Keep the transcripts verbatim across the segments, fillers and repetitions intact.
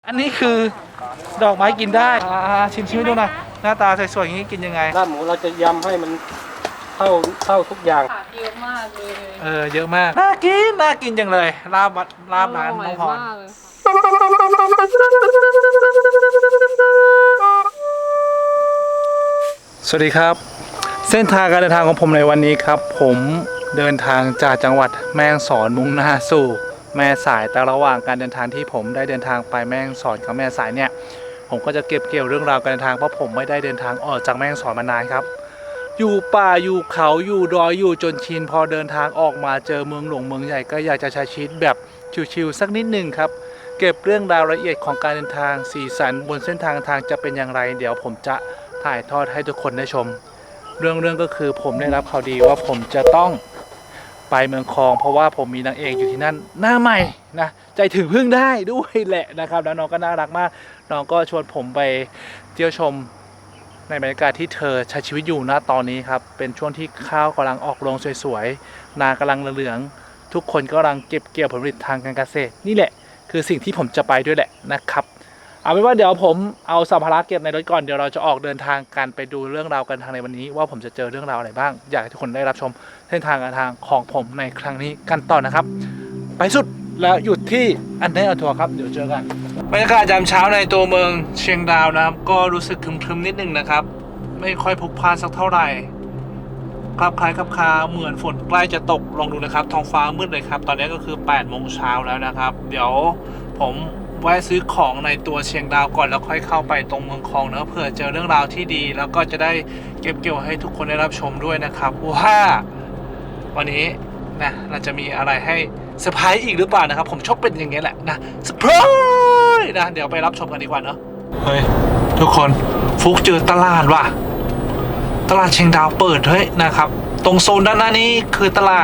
อันนี้คือดอกไม้กินได้อ่าชิมชิมให้ดูหน่อยหน้าตาสวยๆอย่างนี้กินยังไงลาบหมูเราจะยำให้มันเข้าเข้าทุกอย่างเยอะมากเลยเออเยอะมากน่ากินน่ากินจังเลยลาบลาบร้านน้องพรสวัสดีครับเส้นทางการเดินทางของผมในวันนี้ครับผมเดินทางจากจังหวัดแม่ฮ่องสอนมุ่งหน้าสู่แม่สายแต่ระหว่างการเดินทางที่ผมได้เดินทางไปแม่ฮ่องสอนกับแม่สายเนี่ยผมก็จะเก็บเกี่ยวเรื่องราวการเดินทางเพราะผมไม่ได้เดินทางออกจากแม่ฮ่องสอนมานานครับอยู่ป่าอยู่เขาอยู่ดอยอยู่จนชินพอเดินทางออกมาเจอเมืองหลวงเมืองใหญ่ก็อยากจะใช้ชีวิตแบบชิวๆสักนิดหนึ่งครับเก็บเรื่องราวละเอียดของการเดินทางสีสันบนเส้นทางทางจะเป็นอย่างไรเดี๋ยวผมจะถ่ายทอดให้ทุกคนได้ชมเรื่องเรื่องก็คือผมได้รับข่าวดีว่าผมจะต้องไปเมืองคองเพราะว่าผมมีนางเอกอยู่ที่นั่นหน้าใหม่นะใจถึงพึ่งได้ด้วยแหละนะครับแล้วน้องก็น่ารักมากน้องก็ชวนผมไปเที่ยวชมในบรรยากาศที่เธอใช้ชีวิตอยู่ณตอนนี้ครับเป็นช่วงที่ข้าวกำลังออกรวงสวยๆนากำลังเหลืองทุกคนกำลังเก็บเกี่ยวผลผลิตทางการเกษตรนี่แหละคือสิ่งที่ผมจะไปด้วยแหละนะครับเอาเป็นว่าเดี๋ยวผมเอาสัมภาระเก็บในรถก่อนเดี๋ยวเราจะออกเดินทางกันไปดูเรื่องราวกันทางในวันนี้ว่าผมจะเจอเรื่องราวอะไรบ้างอยากให้ทุกคนได้รับชมเส้นทางการทางของผมในครั้งนี้กันต่อนะครับไปสุดแล้วหยุดที่อันเดอร์ทัวร์ครับเดี๋ยวเจอกันบรรยากาศยามเช้าในตัวเมืองเชียงดาวนะครับก็รู้สึกครึมๆนิดนึงนะครับไม่ค่อยพลุกพล่านสักเท่าไหร่คลับคล้ายคลับคาเหมือนฝนใกล้จะตกลองดูนะครับท้องฟ้ามืดเลยครับตอนนี้ก็คือแปดโมงเช้าแล้วนะครับเดี๋ยวผมแวะซื้อของในตัวเชียงดาวก่อนแล้วค่อยเข้าไปตรงเมืองคองนะเผื่อเจอเรื่องราวที่ดีแล้วก็จะได้เก็บเกี่ยวให้ทุกคนได้รับชมด้วยนะครับว่าวันนี้นะเราจะมีอะไรให้เซอร์ไพรส์อีกหรือเปล่านะครับผมชอบเป็นอย่างเงี้ยแหละนะเซอร์ไพรส์นะเดี๋ยวไปรับชมกันดีกว่าเนาะเฮ้ยทุกคนฟุกเจอตลาดว่ะตลาดเชียงดาวเปิดเฮ้ยนะครับตรงโซนด้านหน้านี้คือตลาด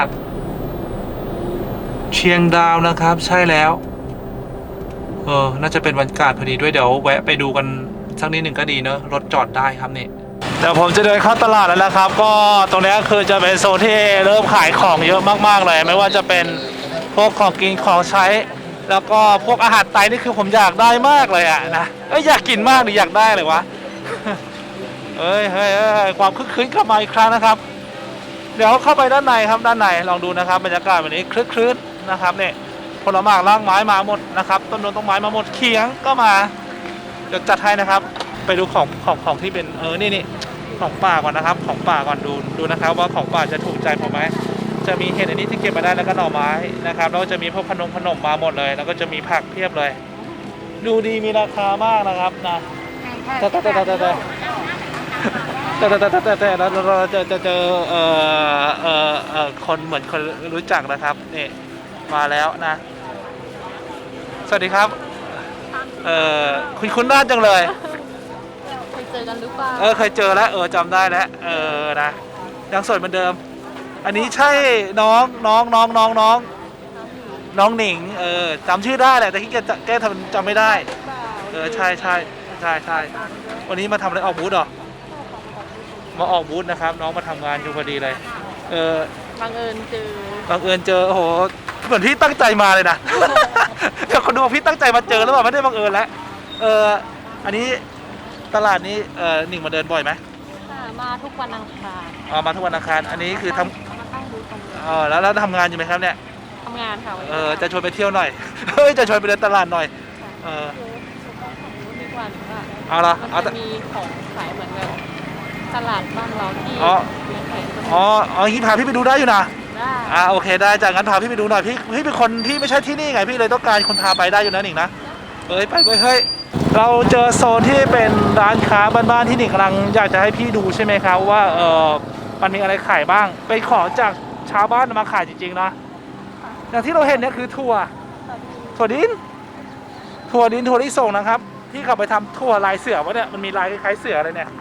เชียงดาวนะครับใช่แล้วเออน่าจะเป็นบรรยากาศพอดีด้วยเดี๋ยวแวะไปดูกันสักนิดหนึ่งก็ดีเนอะรถจอดได้ครับนี่เดี๋ยวผมจะเดินเข้าตลาดแล้วนะครับก็ตรงนี้คือจะเป็นโซนที่เริ่มขายของเยอะมากๆเลยไม่ว่าจะเป็นพวกของกินของใช้แล้วก็พวกอาหารไทยนี่คือผมอยากได้มากเลยอะนะเอ้ยอยากกินมากหรืออยากได้เลยวะเอ้ยเฮ้ยความคึกคืนกลับมาอีกครั้งนะครับเดี๋ยวเข้าไปด้านในครับด้านในลองดูนะครับบรรยากาศแบบนี้คลึกคลื้นนะครับเนี่ยผลไม้รากไม้มาหมดนะครับต้นนต้นไม้มาหมดเขียงก็มาเดี๋ยวจัดให้นะครับไปดูของของของที่เป็นเออนี่นี่ของป่าก่อนนะครับของป่าก่อนดูดูนะครับว่าของป่าจะถูกใจผมไหมจะมีเห็ดอันนี้ที่เก็บมาได้แล้วก็หน่อไม้นะครับแล้วจะมีพวกขนมขนมมาหมดเลยแล้วก็จะมีผักเพียบเลยดูดีมีราคามากนะครับนะแต่แต่แต่แต่แต่แต่แต่แต่แต่แต่แล้วเราจะจะเจอเอ่อเอ่อเอ่อคนเหมือนคนรู้จักนะครับนี่มาแล้วนะสวัสดีครับเอ่อคุณคุณน่าจังเลยเคยเจอกันหรือเปล่าเออเคยเจอแล้วเออจำได้แล้วเออนะยังสวยเหมือนเดิมอันนี้ใช่น้องน้องน้องน้องน้องน้องหนิงเออจำชื่อได้แหละแต่ที่แกแกทำจำไม่ได้เออใช่ใช่ใช่ใช่วันนี้มาทำอะไรออกบูธเหรอมาออกบูธนะครับน้องมาทำงานอยู่พอดีเลยเออบังเอิญเจอบังเอิญเจอโอ้โหเหมือนพี่ตั้งใจมาเลยนะเดี๋ยวคนดูพี่ตั้งใจมาเจอแล้วแบบไม่ได้บังเอิญแล้วเอออันนี้ตลาดนี้เออหนิงมาเดินบ่อยไหมมาทุกวันอังคารอ๋อมาทุกวันอังคารอันนี้คือทำอ๋อแล้วแล้วทำงานอยู่ไหมครับเนี่ยทำงานค่ะเออจะชวนไปเที่ยวหน่อยเฮ้ยจะชวนไปเดินตลาดหน่อยเออเอาละเอาแต่มีของขายเหมือนแบบตลาดบ้านเราที่อ๋ออ๋ออ๋ออย่างนี้พาพี่ไปดูได้อยู่นะได้อ่าโอเคได้จากงั้นพาพี่ไปดูหน่อยพี่พี่เป็นคนที่ไม่ใช่ที่นี่ไงพี่เลยต้องการคนพาไปได้อยู่นะหนิงนะเอ้ยไปไปเฮ้ยเราเจอโซนที่เป็นร้านค้าบ้านๆที่หนิงกำลังอยากจะให้พี่ดูใช่ไหมครับว่าเออมันมีอะไรขายบ้างเป็นของจากชาวบ้านมาขายจริงๆนะอย่างที่เราเห็นเนี่ยคือถั่วถั่วดินถั่วดินถั่วลิสงนะครับที่เขาไปทำถั่วลายเสือวะเนี่ยมันมีลายคล้ายๆเสืออะไรเนี่ย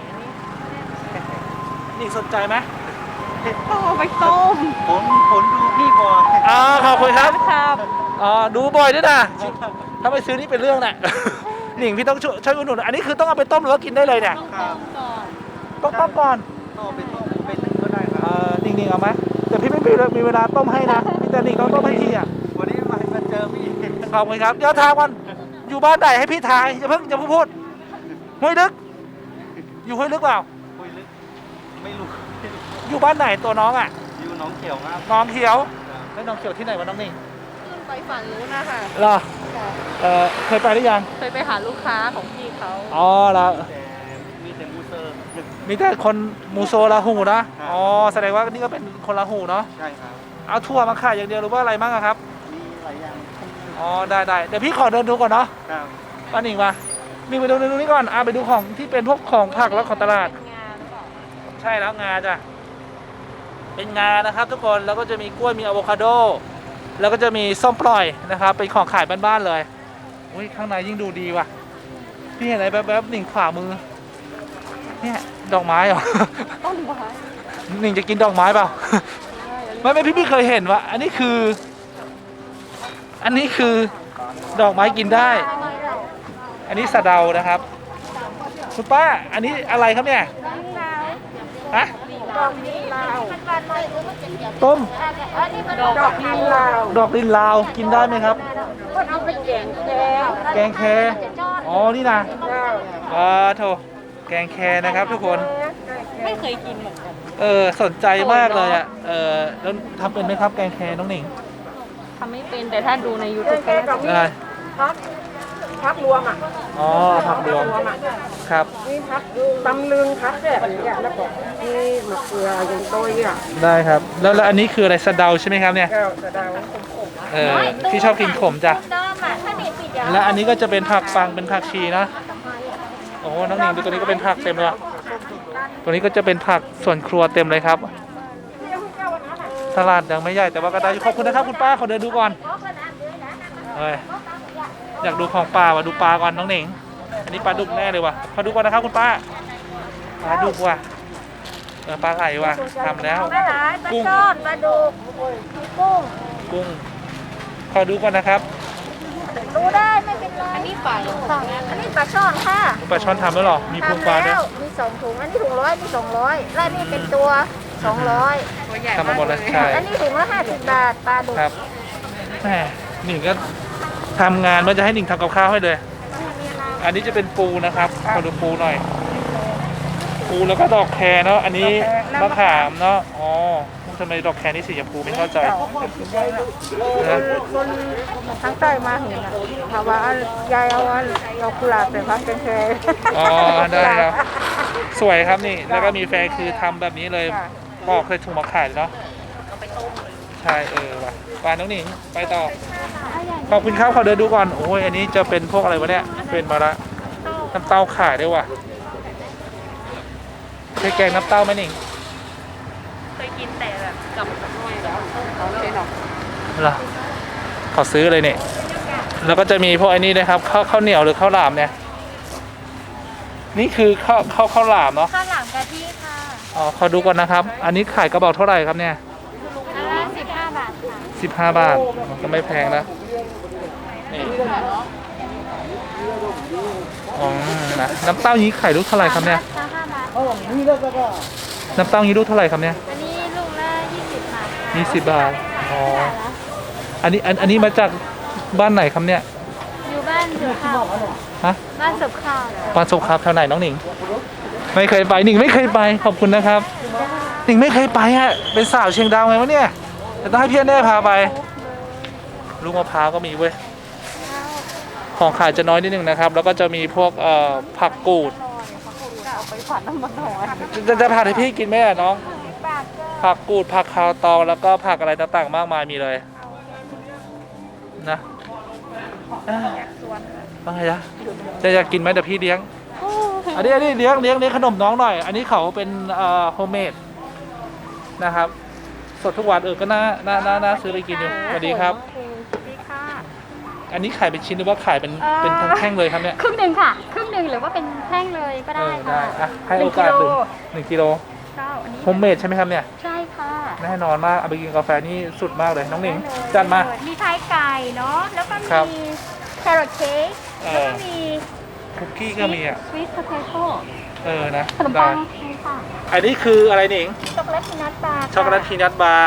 นี่สนใจไหมต้องเอาไปต้มผมผมดูพี่บ่อยอ่าขอบคุณครับครับอ๋อดูบ่อยด้วยนะถ้าไปซื้อนี่เป็นเรื่องแหละหนิงพี่ต้องช่วยช่วยอุดหนุนอันนี้คือต้องเอาไปต้มหรือว่ากินได้เลยเนี่ยต้องต้มก่อนต้องต้มก่อนต้องไปต้มไปนึ่งก็ได้ครับเออหนิงหนิงเอาไหมแต่พี่ไม่มีมีเวลาต้มให้นะแต่หนิงต้องต้มให้ทีอ่ะวันนี้มามาเจอพี่ขอบคุณครับเดี๋ยวทางวันอยู่บ้านไหนให้พี่ทายอย่าเพิ่งอย่าเพิ่งพูดห้วยลึก อยู่ห้วยลึกเปล่าคุยลึกไม่รู้อยู่บ้านไหนตัวน้องอ่ะอยู่หน้องเขียวครับน้องเขียวแล้วน้องเขียวที่ไหนวะน้องนิ่งขึ้นไปฝั่งนู้นนะคะเหรอเออเคยไปหรือยังเคยไปหาลูกค้าของพี่เขาอ๋อแล้วแต่มีแต่มูเซอร์มีแต่คนมูโซลาหูนะอ๋อแสดงว่านี่ก็เป็นคนลาหูเนาะใช่ครับเอาทั่วมาขายอย่างเดียวหรือว่าอะไรบ้างอะครับมีหลายอย่างอ๋อได้ได้เดี๋ยวพี่ขอเดินดูก่อนเนาะครับป้าหนิงมานี่ไปดูดูนี่ก่อนอ่ะไปดูของที่เป็นพวกของผักแล้วของตลาดเป็นงานหรือเปล่าใช่แล้วงาจ้ะเป็นงานะครับ ทุกคนแล้วก็จะมีกล้วยมีอะโวคาโดแล้วก็จะมีส้มปล่อยนะครับเป็นของขายบ้านๆเลยอุ้ยข้างในยิ่งดูดีว่ะพี่เห็นอะไรแป๊บๆหนิงขวามือเนี่ยดอกไม้เหรอต้นไม้หนิงจะกินดอกไม้เปล่า ไม่ไม่พี่พี่เคยเห็นว่าอันนี้คือ อันนี้คือดอกไม้กินได้ อันนี้สะเดานะครับคุณป้าอันนี้อะไรครับเนี่ยฮะดอกนี้ลาวต้มดอกนี้ลาวดอกลินลาวกินได้ไหมครับคนเอาไปแกงแกงแกงแคอ๋อนี่นะว้าโถแกงแคนะครับทุกคนไม่เคยกินเหมือนกันเออสนใจมากเลยอ่ะเออแล้วทำเป็นไหมครับแกงแคน้องหนิงทำไม่เป็นแต่ถ้าดูใน ยูทูบก็น่าจะได้พักพักรวมอ่ะอ๋อผักรวมรวมอ่ะครับนี่พักตำลึงพักแบบนี้อ่ะแล้วก็นี่มะเขืออย่างตัวอ่ะได้ครับแล้วแล้วอันนี้คืออะไรสะเดาใช่ไหมครับเนี่ยแก้วสะเดาเออพี่ชอบกินขมจ้ะและอันนี้ก็จะเป็นผักปังเป็นผักชีนะโอ้โหน้องหนิงดูตัวนี้ก็เป็นผักเต็มเลยอะตัวนี้ก็จะเป็นผักส่วนครัวเต็มเลยครับ ตลาดยังไม่ใหญ่แต่ว่าก็ได้อยู่ขอบคุณนะครับคุณป้าขอเดินดูก่อนเฮ้ยอยากดูของปลาว่ะดูปลาก่อนน้องหนิงอันนี้ปลาดุกแน่เลยว่ะขอดูก่อนนะครับคุณป้าปลาดุกว่ะเออปลาไหลว่ะทำแล้วปลาไหลปลาช่อนปลาดุกกุ้งกุ้งขอดูก่อนนะครับดูได้ไม่เป็นไรอันนี้ฝ่ายของอันนี้ปลาช่อนค่ะปลาช่อนทำแล้วเหรอมีพุงปลาด้วยทำแล้วมีสองถุงอันนี้ถุงร้อยนี่สองร้อยและนี่เป็นตัวสองร้อยตัวใหญ่ทำมาหมดแล้วใช่อันนี้ถุงละห้าสิบบาทปลาดุกครับแหมหนิงก็ทำงานว่าจะให้หนิงทำกับข้าวให้เลย อันนี้จะเป็นปูนะครับขอดูปูหน่อย ปูแล้วก็ดอกแครเนาะอันนี้มะขามเนาะอ๋อทำไมดอกแครนี่สีชมพูไม่เข้าใจนะคนทั้งใต้มาเห็นอ่ะถามว่ายายเอาอันเอากุหลาบไปพักเป็นแค่อ๋อได้ครับสวยครับนี่แล้วก็มีแฟนคือทำแบบนี้เลยปอกเคยถุงมาขายเนาะใช่เออว่ะไปน้องหนิงไปต่อขอบคุณครับขอเดินดูก่อนโอ้ยอันนี้จะเป็นพวกอะไรวะเนี่ยเป็นมาละน้ำเต้าขายด้วยว่ะเคยแกงน้ำเต้าไหมหนิงเคยกินแต่แบบกับน้อยแล้วเขาเลยหรอเหรอขอซื้อเลยเนี่ยแล้วก็จะมีพวกไอ้นี่นะครับข้าวข้าวเหนียวหรือข้าวหลามเนี่ยนี่คือข้าวข้าวข้าวหลามเนาะข้าวหลามกะทิค่ะอ๋อขอดูก่อนนะครับ อันนี้ขายกระบอกเท่าไหร่ครับเนี่ยอันละสิบห้าบาทค่ะสิบห้าบาทก็ไม่แพงนะนี่อ๋อนะน้ำเต้านี้ขายลูกเท่าไหร่ครับเนี่ยห้าห้าบาทน้ำเต้านี้ลูกเท่าไหร่ครับเนี่ยอันนี้ลูกละยี่สิบบาทค่ะยี่สิบบาทอ๋ออันนี้อันอันนี้มาจากบ้านไหนครับเนี่ยอยู่บ้านเสือข้าวฮะบ้านเสือข้าวบ้านสุขครับแถวไหนน้องหนิง ไม่เคยไปหนิงไม่เคยไปขอบคุณนะครับหนิงไม่เคยไปฮะเป็นสาวเชียงดาวไงวะเนี่ยแต่ต้องให้พี่แน่พาไปลูกมะพร้าวก็มีเว้ยของขายจะน้อยนิดนึงนะครับ แล้วก็จะมีพวกเอ่อผักกูดเอาไปฝันน้ำมันหอยจะจะผัดให้พี่กินไหมอะน้องบาทก็ผักกูดผักคาวตองแล้วก็ผักอะไรต่างๆมากมายมีเลยนะอ่าว่าไงจ๊ะจะอยากกินไหมเดี๋ยวพี่เลี้ยง อันนี้อันนี้เลี้ยงเลี้ยงเลี้ยงขนมน้องหน่อย อันนี้เขาเป็นเอ่อโฮมเมดนะครับ สดทุกวันเออก็น่าน่าน่าน่าซื้อไปกินอยู่สวัสดีครับดีค่ะอันนี้ขายเป็นชิ้นหรือว่าขายเป็นเป็นทั้งแท่งเลยครับเนี่ยครึ่งหนึ่งค่ะ ครึ่งหนึ่งหรือว่าเป็นแท่งเลยก็เอได้อได้ค่ะอะให้โอกาสหนึ่งหนึ่งกิโลเจ้าอันนี้โฮมเมดใช่ไหมครับเนี่ยใช่ค่ะแน่นอนมากเอาไปกินกาแฟนี่สุดมากเลยน้องหนิงจัดมามีพายไก่เนาะ แล้วก็ครับมีแครอทเค้กเออแล้วก็มีคุกกี้ก็มีอ่ะสวีทโพเทโต้เออนะขนมได้ปังนี่ค่ะอันนี้คืออะไรหนิงช็อกโกแลตพีนัทบาร์ช็อกโกแลตพีนัทบาร์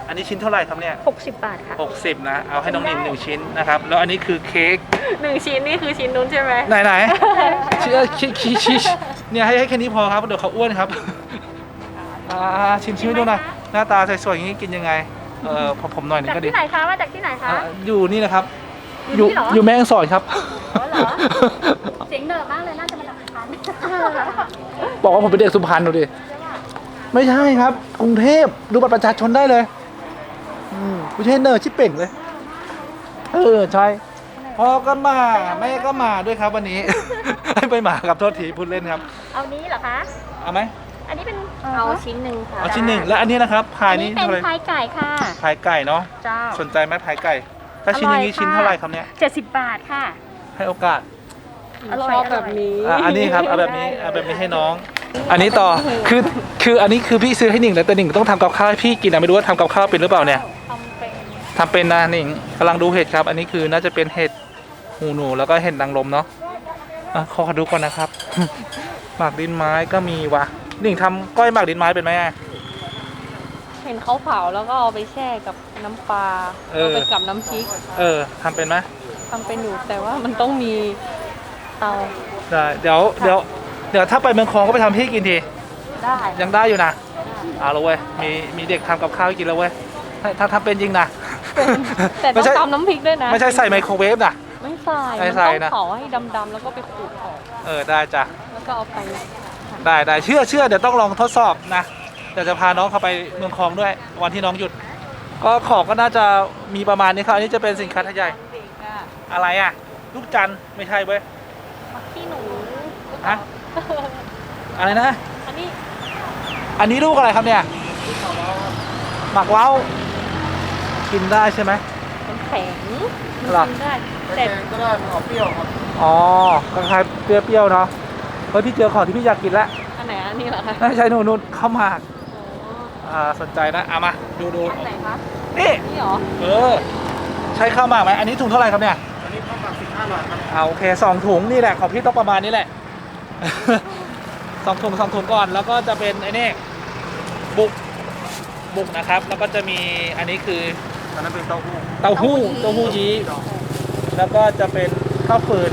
อันนี้ชิ้นเท่าไหร่ครับเนี่ยหกสิบบาทค่ะหกสิบนะเอาให้น้องหนิงหนึ่งชิ้นนะครับแล้วอันนี้คือเค้กหนึ่งชิ้นนี่คือชิ้นนู้นใช่ไหมไหนไหนเชื่อชี้ชี้ชี้เนี่ยให้ให้แค่นี้พอครับเดี๋ยวเขาอ้วนครับอ่าชิมชิมให้ดูหน่อยหน้าตาสวยๆอย่างนี้กินยังไงเออพอผมหน่อยหนึงจากก็ดีที่ไหนคะมาจากที่ไหนคะอ่าอยู่นี่นะครับอยู่นี่เหรออยู่แม่ฮ่องสอนครับอ๋อเหรอเสียงเหนอะมากเลยน่าจะมาจากสุพรรณบอกว่าผมเป็นเด็กสุพรรณดูดิไม่ใช่ครับ กรุงเทพดูบัตรประชาชนได้เลยอืมไม่ใช่เนอร์ชิปเป่งเลย เออใช่พ่อก็มาแม่ก็มาด้วยครับวันนี้ ไม่มาครับโทษทีพูดเล่นครับเอานี้เหรอคะเอาไหมอันนี้เป็นเอาชิ้นหนึ่งค่ะเอาชิ้นหนึ่งแล้วอันนี้นะครับพายอันนี้นี้เป็นเท่าไหร่พายไก่ค่ะพายไก่เนาะเจ้าสนใจไหมพายไก่ ถ้าชิ้นอย่างนี้ชิ้นเท่าไหร่ครับเนี่ยเจ็ดสิบบาทค่ะให้โอกาสอร่อยชอบแบบนี้อ่ะอันนี้ครับเอาแบบนี้เอาแบบนี้ให้น้อง อันนี้ต่อคือคืออันนี้คือพี่ซื้อให้หนิงแล้วแต่หนิงต้องทำกับข้าวให้พี่กินนะไม่รู้ว่าทำกับข้าวเป็นหรือเปล่าเนี่ยทำเป็นทำเป็นนะหนิงกำลังดูเห็ดครับ อันนี้คือน่าจะเป็นเห็ดหูหนูแล้วก็เห็ดนางรมเนาะอ่ะขอดูก่อนนะครับ หมากดินไม้ก็มีว่ะหนิงทำก้อยหมากดินไม้เป็นไหมอ่ะเห็นเขาเผาแล้วก็เอาไปแช่กับน้ำปลาเออเอาไปกับน้ำพริกเออทำเป็นไหมทำเป็นอยู่แต่ว่ามันต้องมีเตาได้เดี๋ยวเดี๋ยวเดี๋ยวถ้าไปเมืองคลองก็ไปทำให้กินทีได้ยังได้อยู่นะเอาละเว้ยมีมีเด็กทำกับข้าวให้กินแล้วเว้ยถ้าถ้าทำเป็นจริงนะแต่ต้ไม่องใช่ตำน้ำพริกด้วยนะไม่ใช่ใส่ไมโครเวฟนะไม่ใส่ไม่มันใส่ต้องนะเผาให้ดำๆแล้วก็ไปขูดออกเออได้จ้ะแล้วก็เอาไปได้ได้เชื่อเชื่อเดี๋ยวต้องลองทดสอบนะเดี๋ยวจะพาน้องเข้าไปเมืองคลองด้วย วันที่น้องหยุด ก็ของก็น่าจะมีประมาณนี้ครับอันนี้จะเป็นสินค้าทยายอะไรอ่ะ ลูกจันทร์ไม่ใช่เว้ยที่หนูฮะอะไรนะอันนี้อันนี้ลูกอะไรครับเนี่ยหมักเว้ากินได้ใช่ไหมมันแข็งมันหรอกินได้แต่ก็ได้มันออกเปรี้ยวครับอ๋อคล้ายๆเปรี้ยวๆเนาะเฮ้ยพี่เจอของที่พี่อยากกินแล้วอันไหนอันนี้เหรอคะไม่ใช่นู่นนู่นข้าวหมากอ๋ออ่าสนใจนะเอามาดูดูอันไหนคะนี่นี่เหรอเออใช้ข้าวหมากไหมอันนี้ถุงเท่าไหร่ครับเนี่ยอันนี้ข้าวหมักสิบห้าบาทครับเอาโอเคสองถุงนี่แหละของพี่ต้องประมาณนี้แหละ สองถุงสองถุงก่อนแล้วก็จะเป็นไอ้นี่บุกบุกนะครับ แล้วก็จะมีอันนี้คืออันนั้นเป็นเต้าหู้เต้าหู้เต้าหู้ยี้แล้วก็จะเป็นข้าวฟืน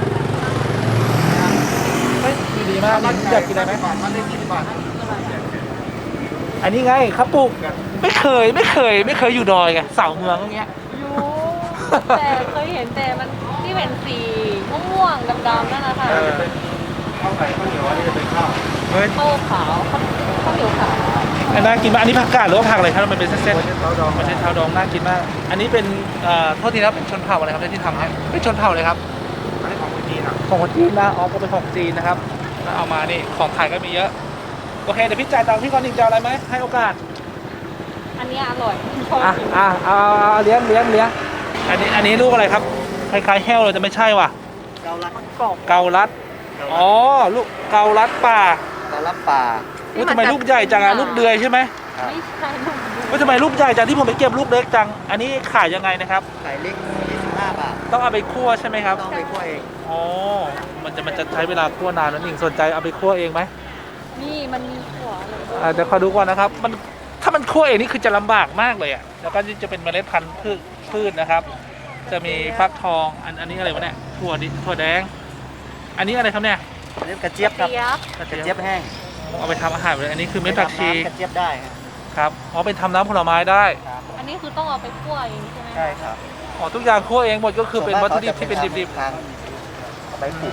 เฮ้ยดูดีมากนี่อยากกินอะไรไหมบาทมันได้ยี่สิบบาทอันนี้ไงข้าวปลูกไม่เคยไม่เคย ไม่เคยอยู่ดอยไงเสาเมืองอย่างเงี้ยอยู่แต่เคยเห็นแต่มันที่เป็นสีม่วงๆดำๆนั่นนะคะเออข้าวไก่ข้าวเหนียวอันนี้จะเป็นข้าวเฮ้ยข้าวขาวข้าวข้าวเหนียวขาวอันน่ากินมากอันนี้ผักกาดหรือว่าผักอะไรครับมันเป็นเส้นไม่ใช่เต้าดองๆมันใช้เท้าดองน่ากินมาก อันนี้เป็นเอ่อโทษทีครับเป็นชนเผ่าอะไรครับที่ทำให้เป็นชนเผ่าเลยครับอันนี้ของคนจีนอ่ะของคนจีนนะอ๋อก็เป็นของจีนนะครับแล้วเอามานี่ของไทยก็มีเยอะโอเคเดี๋ยวพี่จ่ายตังค์พี่ก่อนหนึ่งจะเอาอะไรไหมให้โอกาสอันนี้อร่อยชอบอ่ะกินอ่ะเอาเอาเอาเลี้ยงเลี้ยงเลี้ยงอันนี้อันนี้ลูกอะไรครับคล้ายๆแห้วเลยแต่ไม่ใช่ว่ะเกาลัดกรอบเกาลัดอ๋อลูกเกาลัดป่าเกาลัดป่าอุ้ยทำไมลูกใหญ่จังอะลูกเดือยใช่ไหมไม่ใช่ลูกอุ้ยทำไมลูกใหญ่จังที่ผมไปเก็บลูกเล็กจังอันนี้ขายยังไงนะครับไก่เล็กยี่สิบห้าบาทต้องเอาไปคั่วใช่ไหมครับต้องไปคั่วเองอ๋อมันจะมันจะใช้เวลาคั่วนานนั่นเองสนใจเอาไปคั่วเองไหมนี่มันมีหัวเลยอ่าเดี๋ยวขอดูก่อนนะครับมันถ้ามันคั่วเองนี่คือจะลำบากมากเลยอ่ะแล้วก็นี่จะเป็นเมล็ดพันธุ์พืชพืชนะครับ จะมีฟักทองอันอันนี้อะไรวะเนี่ยถั่วดิถั่วแดง อันนี้อะไรครับเนี่ยอันนี้กระเจี๊ยบครับเจี๊ยบกระเจี๊ยบแห้งเอาไปทำอาหารเลยอันนี้คือเม็ดผักชีทำน้ำกระเจี๊ยบได้ครับครับอ๋อเป็นทำน้ำผลไม้ได้อันนี้คือต้องเอาไปคั่วเองใช่ไหมใช่ครับอ๋อทุกอย่างคั่วเองหมดก็คือเป็นวัตถุดิบที่เป็นดิบๆเอาไปปลูก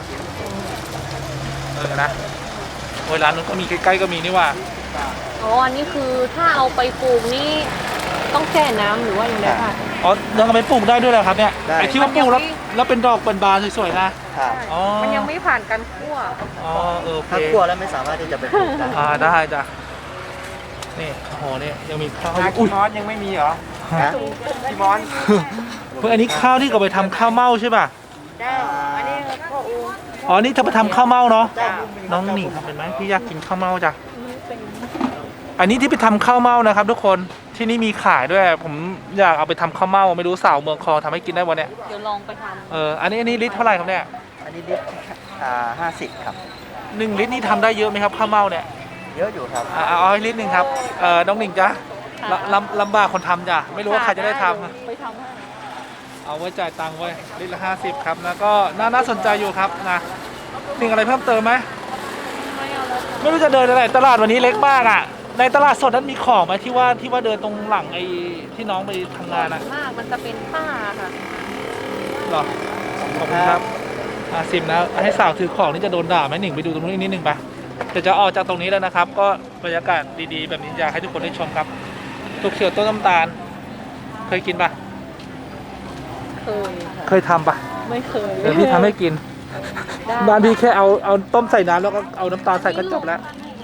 ๆเออนะโอ้ยร้านนู้นก็มีใกล้ๆก็มีนี่ว่าอ๋ออันนี้คือถ้าเอาไปปลูกนี่ต้องแช่น้ำหรือว่าอย่างไรคะอ๋อยังเอาไปปลูกได้ด้วยเหรอครับเนี่ยได้ไอ้ที่ว่าปลูกแล้วแล้วเป็นดอกเป็นบานสวยๆนะครับ อ๋อมันยังไม่ผ่านการคั่วอ๋อเออโอเคถ้าคั่วแล้วไม่สามารถที่จะไปปลูกได้อ่าได้จ้ะนี่โอ้โหนี่ยังมีข้าวนาอุ้คียมอสยังไม่มีเหรอฮะคีมอสเพื่ออันนี้ข้าวที่เขาไปทำข้าวเม่าใช่ป่ะได้อันนี้พ่ออูอ๋อนี่ถ้าไปทำข้าวเม่าเนาะเจ้าน้องหนิงทำเป็นไหมพี่อยากกินข้าวเม่าจ้ะอันนี้ที่ไปทำข้าวเม่านะครับ ทุกคนที่นี่มีขายด้วย ผมอยากเอาไปทำข้าวเม่าไม่รู้สาวเมืองคลองทำให้กินได้วันเนี้ยเดี๋ยวลองไปทเอออันนี้อันนี้ลิตรเท่าไหร่ครับเนี่ยอันนี้ลิตรอ่าห้าสิบครับหนึ่งลิตรนี่ทำได้เยอะไหมครับข้าวเม่าเนี่ยเยอะอยู่ครับอ่าเอาให้ลิตรหนึ่งครับเออน้องหนิงจ้ะค่ะลำลำบากคนทำจ้ะไม่รู้ว่าใครจะได้ทำเยวไปทำให้เอาไว้จ่ายตังค์ไว้ลิตรละห้าสิบครับแล้วก็น่าน่าสนใจอยู่ครับนะสิ่งอะไรเพิ่มเติมไหมไม่เอาแล้วไม่รู้จะเดินอะไรตลาดวันนี้เล็กมากอ่ะในตลาดสดนั้นมีของไหมที่ว่าที่ว่าเดินตรงหลังไอ้ที่น้องไปทำงานอ่ะมากมันจะเป็นผ้าค่ะหรอขอบคุณครับอาซิมนะให้สาวถือของนี่จะโดนด่าไหมหนึ่งไปดูตรงนู้นอีกนิดนึงไปเดี๋ยวจะออกจากตรงนี้แล้วนะครับ ก็บรรยากาศดีๆแบบนี้อยากให้ทุกคนได้ชมครับตุกเขียวต้นน้ำตาล เคยกินปะเคยค่ะเคยทำปะไม่เคยเดี๋ยวพี่ทำให้กินได้บ้านพี่แค่เอาเอาต้มใส่น้ำแล้วก็เอาน้ำตาลใส่ก็จบแล้ว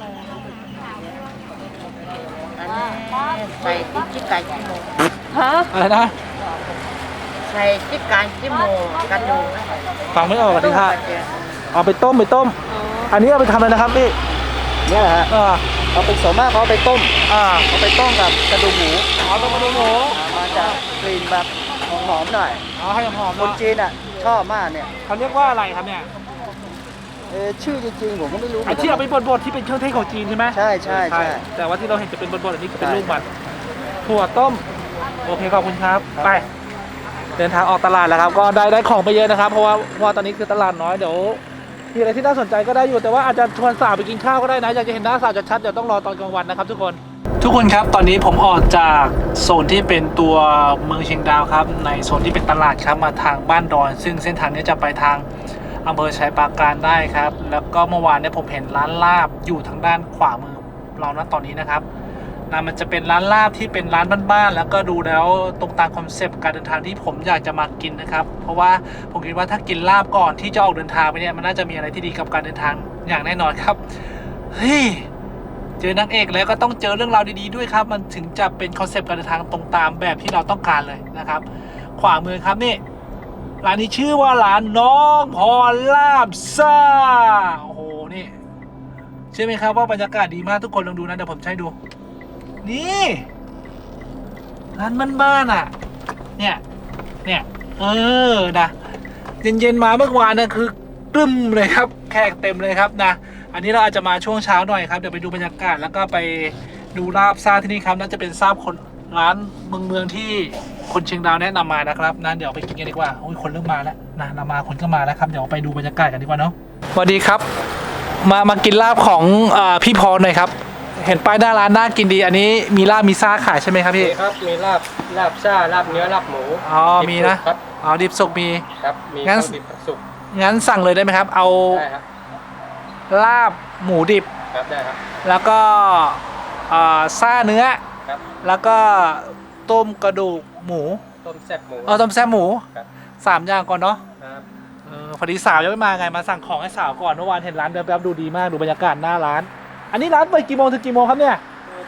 ใส่จิ๊กไก่ขี้โมฮะอะไรนะใส่จิ๊กไก่ขี้โมกันดูฟังไม่ออกดิค่ะเอาไปต้มไปต้มอ๋ออันนี้เอาไปทำอะไรนะครับพี่เนี่ยแหละฮะอ่าเอาไปส่วนมากเขาเอาไปต้มอ่าเอาไปต้มกับกระดูกหมูเอาต้มกระดูกหมูมาจากกลิ่นแบบหอมๆหน่อยเอาให้หอมๆคนเนาะจีนอ่ะชอบมากเนี่ยเขาเรียกว่าอะไรครับเนี่ยเออชื่อจริงๆผมก็ไม่รู้หมืไอ้นกันที่เอาไปบดๆที่เป็นเครื่องเทศของจีนใช่ไหมใช่ใช่ใช่แต่ว่าที่เราเห็นจะเป็นบดๆอันนี้คือเป็นใช่ลูกมันถั่วต้มโอเคขอบคุณครับไปเดินทางออกตลาดแล้วครับ ก็ได้ได้ของไปเยอะนะครับ เพราะว่าเพราะว่าตอนนี้คือตลาดน้อยเดี๋ยวมีอะไรที่น่าสนใจก็ได้อยู่แต่ว่าอาจจะชวนสาวไปกินข้าวก็ได้นะอยากจะเห็นหน้าสาวชัดๆเดี๋ยวต้องรอตอนกลางวันนะครับทุกคนทุกคนครับตอนนี้ผมออกจากโซนที่เป็นตัวเมืองเชียงดาวครับในโซนที่เป็นตลาดครับมาทางบ้านดอนซึ่งเส้นทางนี้จะไปทางอำเภอชัยปราการได้ครับแล้วก็เมื่อวานเนี่ยผมเห็นร้านลาบอยู่ทางด้านขวามือเราณตอนนี้นะครับนะมันจะเป็นร้านลาบที่เป็นร้านบ้านๆแล้วก็ดูแล้วตรงตามคอนเซปต์การเดินทางที่ผมอยากจะมากินนะครับเพราะว่าผมคิดว่าถ้ากินลาบก่อนที่จะออกเดินทางไปเนี่ยมันน่าจะมีอะไรที่ดีกับการเดินทางอย่างแน่นอนครับเฮ้ยเจอนางเอกแล้วก็ต้องเจอเรื่องราวดีๆด้วยครับมันถึงจะเป็นคอนเซปต์การเดินทางตรงตามแบบที่เราต้องการเลยนะครับขวามือครับนี่ร้านนี้ชื่อว่าร้านน้องพรลาบซ่าโอ้โหนี่เชื่อไหมครับว่าบรรยากาศดีมากทุกคนลองดูนะเดี๋ยวผมใช้ดูนี่ร้านบ้านๆอ่ะเนี่ยเนี่ยเออนะเย็นๆมาเมื่อวานนะคือกลึ้มเลยครับแขกเต็มเลยครับนะอันนี้เราอาจจะมาช่วงเช้าหน่อยครับเดี๋ยวไปดูบรรยากาศแล้วก็ไปดูลาบซ่าที่นี่ครับน่าจะเป็นซาบคนร้านเมืองเมืองที่คนเชียงดาวแนะนำมานะครับนะเดี๋ยวไปกินกันดีกว่าโอ้ยคนเริ่มมาแล้วนะเรามาคนก็มาแล้วครับเดี๋ยวไปดูบรรยากาศกันดีกว่าเนาะสวัสดีครับมามากินลาบของอ่าพี่พรหน่อยครับเห็นป้ายหน้าร้านน่ากินดีอันนี้มีลาบมีซ่าขายใช่ไหมครับมีพี่ครับมีลาบลาบซ่าลาบเนื้อลาบหมูอ๋อมีนะครับอ๋อดิบสุกมีครับมีงั้นทั้งดิบทั้งสุกงั้นสั่งเลยได้ไหมครับ เอาได้ครับลาบหมูดิบครับได้ครับแล้วก็อ่าซ่าเนื้อครับแล้วก็ต้มกระดูกหมูต้มแซ่บหมูเออต้มแซ่บหมูครับสามอย่างก่อนเนาะครับเออพอดีสาวยังไม่มาไงมาสั่งของให้สาวก่อนเมื่อวานเห็นร้านแป๊บๆดูดีมากดูบรรยากาศหน้าร้าน อันนี้ร้านเปิดกี่โมงถึงกี่โมงครับเนี่ย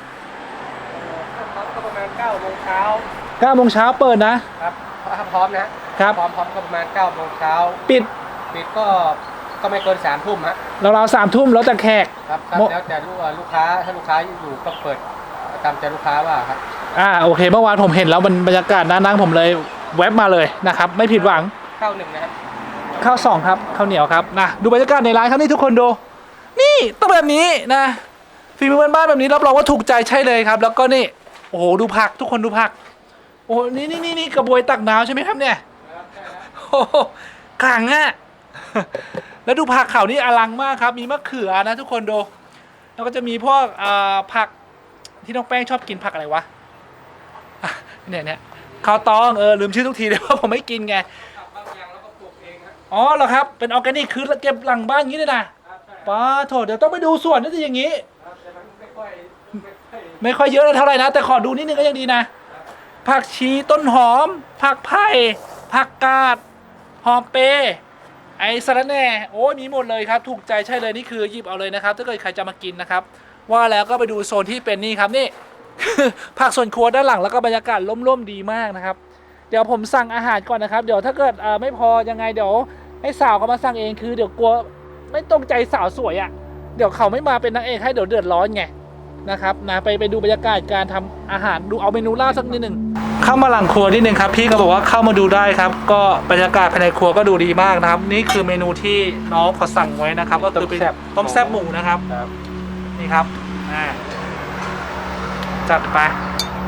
พร้อมก็ประมาณเก้าโมงเช้าเก้าโมงเช้าเปิดนะครับถ้าพร้อมนะครับ พร้อมพร้อมก็ประมาณเก้าโมงเช้าปิดปิดก็ก็ไม่เกินสามทุ่มฮะเราๆสามทุ่มแล้วแต่แขกครับครับโมแล้วแต่ลูกลูกค้าถ้าลูกค้าอยู่ก็เปิดตามใจลูกค้าว่าครับอ่าโอเคเมื่อวานผมเห็นแล้วมันบรรยากาศน่านั่งผมเลยแวบมาเลยนะครับไม่ผิดหวังเข้าหนึ่งนะครับข้าวสองครับข้าวเหนียวครับนะดูบรรยากาศในร้านครับนี่ทุกคนดู นี่ต้องแบบนี้นะฝีมือบ้านๆแบบนี้รับรองว่าถูกใจใช่เลยครับ แล้วก็นี่โอ้โหดูผักทุกคนดูผักโอ้โหนี่นี่นี่นี่กระบวยตักน้ำใช่ไหมครับเนี่ยโอ้โหขลังอะ แล้วดูผักเขานี่อลังมากครับมีมะเขือนะทุกคนดูแล้วก็จะมีพวกอ่าผักที่น้องแป้งชอบกินผักอะไรวะอ่ะเนี่ยเนี่ยข้าวตองเออลืมชื่อทุกทีเลยว่าผมไม่กินไงบางอย่างเราก็ปลูกเองฮะอ๋อเหรอครับ เป็นออร์แกนิกคือเก็บหลังบ้านอย่างนี้เลยนะป้าโถเดี๋ยวต้องไปดูสวนนี่จะอย่างนี้แต่มันไม่ค่อยไม่ค่อยไม่ค่อยเยอะเท่าไหร่นะ แต่ขอดูนิดนึงก็ยังดีนะ ผักชีต้นหอม ผักไผ่ผักกาดหอมเปรย์ไอ้สะระแหน่โอ้ยมีหมดเลยครับ ถูกใจใช่เลยนี่คือหยิบเอาเลยนะครับ ถ้าเกิดใครจะมากินนะครับ ว่าแล้วก็ไปดูโซนที่เป็นนี่ครับนี่ ผักส่วนครัวด้านหลังแล้วก็บรรยากาศร่มๆดีมากนะครับ เดี๋ยวผมสั่งอาหารก่อนนะครับ เดี๋ยวถ้าเกิดอ่าไม่พอยังไงเดี๋ยวให้สาวเขามาสั่งเองคือเดี๋ยวกลัวไม่ตรงใจสาวสวยอะ่ะเดี๋ยวเขาไม่มาเป็นนางเอกให้เดี๋ยวเดือดร้อนไงนะครับนะไปไปดูบรรยากาศการทำอาหารดูเอาเมนูลาบสักนิดหนึ่งเข้ามาหลังครัวนิดนึงครับพี่ก็บอกว่าเข้ามาดูได้ครับ ก็บรรยากาศภายในครัวก็ดูดีมากนะครับ นี่คือเมนูที่น้องเขาสั่งไว้นะครับ ก็คือเป็นต้มแซ่บหมูนะครับครับนี่ครับอ่าจัดไป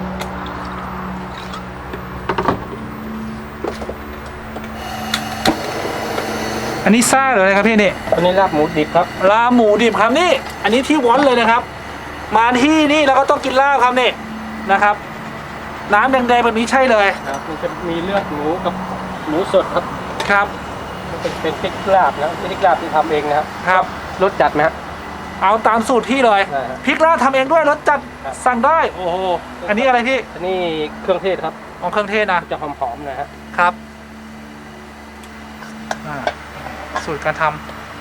อันนี้ซ่าเลยครับพี่นี่อันนี้ลาบหมูดิบครับลาบหมูดิบครับนี่ อันนี้ที่วอนเลยนะครับ มาที่นี่เราก็ต้องกินลาบครับนี่นะครับ น้ำแดงๆแบบนี้ใช่เลยครับมันจะมีเลือดหมูกับหมูสดครับครับมันเป็นเป็นพริกลาบนะพริกลาบที่ทำเองนะครับครับรสจัดไหมฮะเอาตามสูตรพี่เลยได้ครับพริกลาบทำเองด้วยรสจัดครับสั่งได้ โอ้โห อันนี้อะไรพี่อันนี้เครื่องเทศครับของเครื่องเทศนะจะหอมๆหนะฮะครับอ่าสูตรการทำ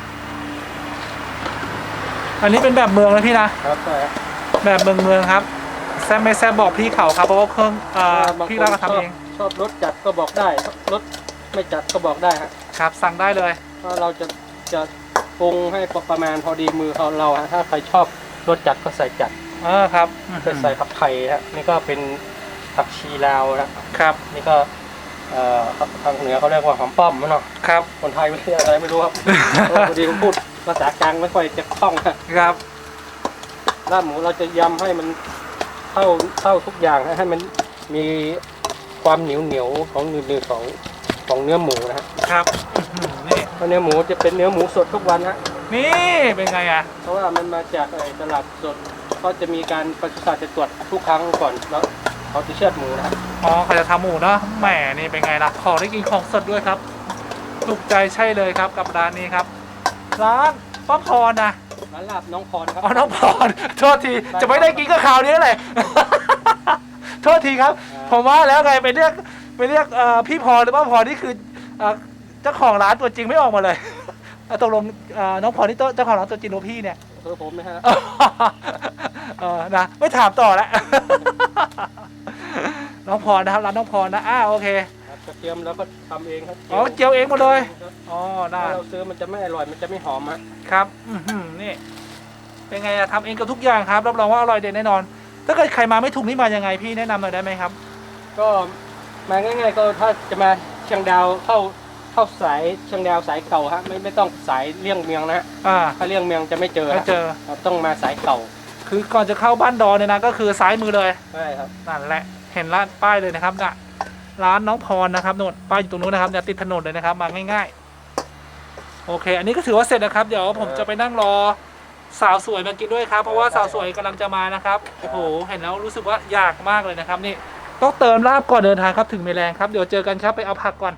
อันนี้เป็นแบบเมืองนะพี่นะครับใช่ครับแบบเมืองเมืองครับแซมไม่แซมบอกพี่เขาครับเพราะว่าเครื่องอ่าบางคนพี่เราก็ทำเองชอบรสจัดก็บอกได้รสไม่จัดก็บอกได้ฮะครับ สั่งได้เลยเพราะเราจะจะปรุงให้ประมาณพอดีมือของเราฮะถ้าใครชอบรสจัดก็ใส่จัดเออครับจะใส่ผักไทยฮะนี่ก็เป็นผักชีลาวนะครับ นี่ก็เอ่อทางเหนือเขาเรียกว่าหอมป้อมมั้งเนาะครับคนไทยไม่เรียกอะไรไม่รู้ครับ เพราะว่าพอดีผมพูดภาษากลางไม่ค่อยจะคล่องฮะครับลาบหมูเราจะยำให้มันเข้าเข้าทุกอย่างนะให้มันมีความเหนียวเหนียวของเนื้อของของเนื้อหมูนะฮะครับอื้อหือนี่เพราะเนื้อหมูจะเป็นเนื้อหมูสดทุกวันฮะนี่เป็นไงอ่ะเพราะว่ามันมาจากไอ้ตลาดสดก็จะมีการปศุสัตว์จะตรวจทุกครั้งก่อนแล้วเขาจะเชือดหมูนะฮะอ๋อเขาจะทำหมูเนาะแหมนี่เป็นไงล่ะของได้กินของสดด้วยครับถูกใจใช่เลยครับกับร้านนี้ครับ ร้านป้าพรนะร้านลาบน้องพรครับอ๋อน้องพรโทษทีจะไม่ได้กินก็ข่าวนี้เลย โทษทีครับ ผมว่าแล้วไงไปเรียกไปเรียกเอ่อพี่พรหรือป้าพรนี่คือเอ่อเจ้าของร้านตัวจริงไม่ออกมาเลย อ่ะตกลงเอ่อน้องพรนี่เจ้าของร้านตัวจริงหรือพี่เนี่ยเออผมนะฮะเออนะไม่ถามต่อแล้ว น้องพรนะครับร้านน้องพรนะอ้าโอเคครับกระเทียมแล้วก็ทำเองครับอ๋อเจียวเองหมดเลยครับอ๋อถ้าได้เราซื้อมันจะไม่อร่อยมันจะไม่หอมฮะครับอื้อหือนี่เป็นไงอะทำเองกับทุกอย่างครับรับรองว่าอร่อยเด็ดแน่นอน ถ้าเกิดใครมาไม่ถูกนี่มายังไงพี่แนะนำหน่อยได้ไหมครับก็มาง่ายๆก็ถ้าจะมาเชียงดาวเข้าเข้าสายเชียงดาวสายเก่าฮะไม่ไม่ต้องสายเลี่ยงเมียงนะฮะอ่าถ้าเลี่ยงเมียงจะไม่เจอไม่ฮะเจอครับต้องมาสายเก่าคือก่อนจะเข้าบ้านดอนเนี่ยนะก็คือซ้ายมือเลยใช่ครับนั่นแหละเห็นร้านป้ายเลยนะครับน่ะร้านน้องพรนะครับโน่นป้ายอยู่ตรงนู้นนะครับเนี่ยติดถนนเลยนะครับมาง่ายๆโอเค อันนี้ก็ถือว่าเสร็จนะครับเดี๋ยวผมจะไปนั่งรอสาวสวยมากินด้วยครับเพราะว่าสาวสวยกำลังจะมานะครับโอ้โหเห็นแล้วรู้สึกว่าอยากมากเลยนะครับนี่ต้องเติมลาบก่อนเดินทางครับถึงเมแรงครับเดี๋ยวเจอกันครับไปเอาผักก่อน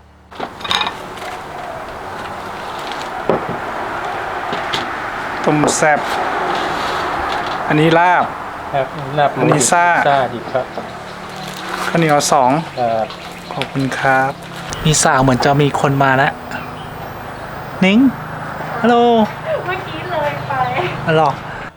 ต้มแซ่บอันนี้ลาบครับลาบหมูอันนี้ซ่าซ่าดิบครับข้าวเหนียวสองครับขอบคุณครับ มีสาวเหมือนจะมีคนมาแล้ว นิ้ง ฮัลโหลเมื่อกี้เลยไปอ๋อเหรอ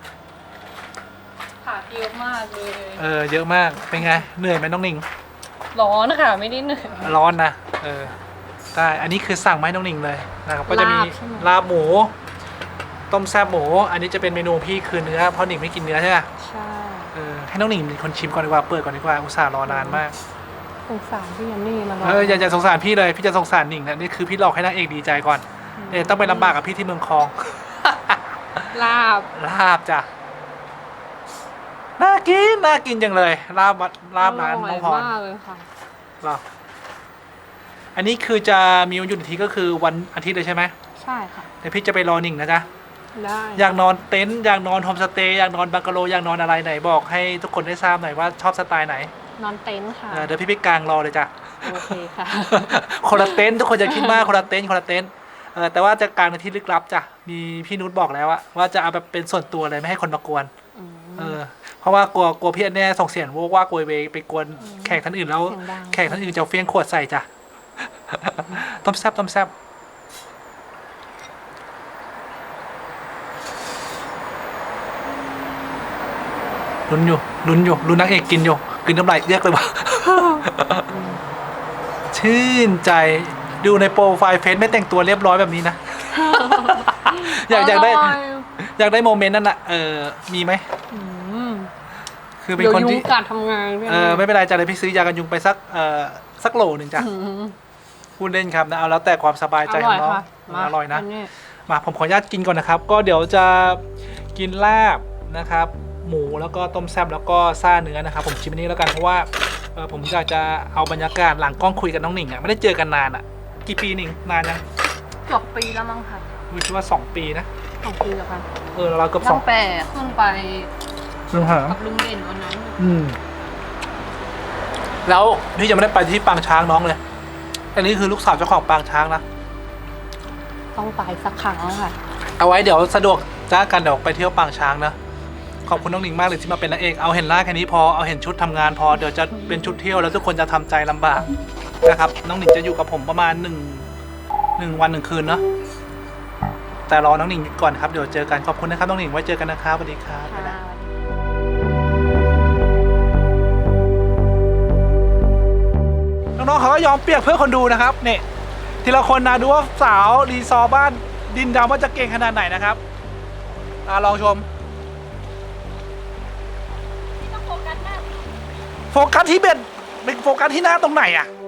ผักเยอะมากเลยเออ เยอะมาก เป็นไง เหนื่อยไหมน้องนิ่งร้อนค่ะไม่ได้เหนื่อยร้อนนะ เออ ได้ อันนี้คือสั่งมาให้น้องนิ่งเลยนะครับ ก็จะมีลาบใช่ไหมลาบหมู ต้มแซ่บหมู อันนี้จะเป็นเมนูพี่คือเนื้อ เพราะหนิงไม่กินเนื้อใช่ไหมใช่เออ ให้น้องหนิงเป็นคนชิมก่อนดีกว่า เปิดก่อนดีกว่า อุตส่าห์รอนานมากสงสารพี่ยันนี่มาร้เอออย่าอย่าสงสารพี่เลย พี่จะสงสารหนิงนะนี่คือพี่หลอกให้นางเอกดีใจก่อนเนี่ยต้องไปลำบากกับพี่ที่เมืองคลองลาบลาบจ้ะ น่ากิน น่ากินจังเลย ลาบวัดลาบร้านน้องพรร่ยมากเลยค่ะเหรออันนี้คือจะมีวันหยุดอีกทีก็คือวันอาทิตย์เลยใช่ไหมใช่ค่ะเดี๋ยวพี่จะไปรอหนิงนะจ๊ะได้อยากนอนเต็นท์อยากนอนโฮมสเตย์อยากนอนบังกะโลอยากนอนอะไรไหนบอกให้ทุกคนได้ทราบหน่อยว่าชอบสไตล์ไหนนอนเต็นท์ค่ะเออเดี๋ยวพี่ไปกางรอเลยจ้ะโอเคค่ะคนละเต็นท์ทุกคนจะคิดมากคนละเต็นท์คนละเต็นท์เออแต่ว่าจะกางในที่ลึกลับจ้ะมีพี่นุชบอกแล้วอะว่าจะเอาแบบเป็นส่วนตัวเลยไม่ให้คนมากวนอืมเออเพราะว่ากลัวกลัวพี่อันแน่ส่งเสียงโวกว่าโกยเวยไปกวนอืมแขกท่านอื่นแล้วเสียงดังแขกท่านอื่นจะเฟี้ยงขวดใส่จ้ะ ต้มแซ่บต้มแซ่บลุ้นอยู่ลุ้นอยู่ลุ้นนักเอกกินอยู่กินน้ำลายเรียกเลยว่ะ ชื่นใจดูในโปรไฟล์เฟซไม่แต่งตัวเรียบร้อยแบบนี้นะ อยากอยากได้ร่อยากได้โมเมนต์นั้นอะเออมีไหมอืมคือเป็นเดี๋ยวคนยุงที่กัดทำงานด้วยนะเออไม่เป็นไรจ้ะเลยพี่ซื้อยากันยุงไปสักเอ่อสักโหลหนึ่งจ้ะอืมพูดเล่นครับนะเอาแล้วแต่ความสบายใจอขร่ออง ยน้องค่ะมาอร่อยนะอัมาผมขออนุญาตกินก่อนนะครับ ก็เดี๋ยวจะกินลาบนะครับ หมูแล้วก็ต้มแซ่บแล้วก็ซ่าเนื้อนะครับ ผมชิมอันนี้แล้วกันเพราะว่าเออผมอยากจะเอาบรรยากาศหลังกล้องคุยกับน้องหนิงอ่ะไม่ได้เจอกันนานอ่ะกี่ปีหนิงนานยังเกือบปีแล้วมั้งค่ะวิคิดว่าสองปีนะสองปีแล้วค่ะเออเราเกือบสตั้องงแต่ขึ้นไปซึ่งหากับลุงเด่นวันนั้นอืมแล้วพี่จะไม่ได้ไปที่ปางช้างน้องเลยอันนี้คือลูกสาวเจ้าของปางช้างนะต้องไปสักครั้งค่ะเอาไว้เดี๋ยวสะดวกจ้ากันเดี๋ยวไปเที่ยวปางช้างนะขอบคุณน้องหนิงมากเลยที่มาเป็นนางเอกเอาเห็นหน้าแค่นี้พอเอาเห็นชุดทำงานพอเดี๋ยวจะเป็นชุดเที่ยวแล้วทุกคนจะทำใจลำบากนะครับน้องหนิงจะอยู่กับผมประมาณหนึ่งหนึ่งวันหนึ่งคืนเนาะแต่รอน้องหนิงก่อนครับเดี๋ยวเจอกันขอบคุณนะครับน้องหนิงไว้เจอกันนะครับสวัสดีครับบ๊ายบายน้องๆเขาก็ยอมเปียกเพื่อคนดูนะครับเนี่ยทีละคนนะดูว่าสาวรีซอร์บ้านดินดำว่าจะเก่งขนาดไหนนะครับอ่ะลองชมโฟกัสที่เบ็ดเป็นโฟกัสที่หน้าตรงไหนอ่ะ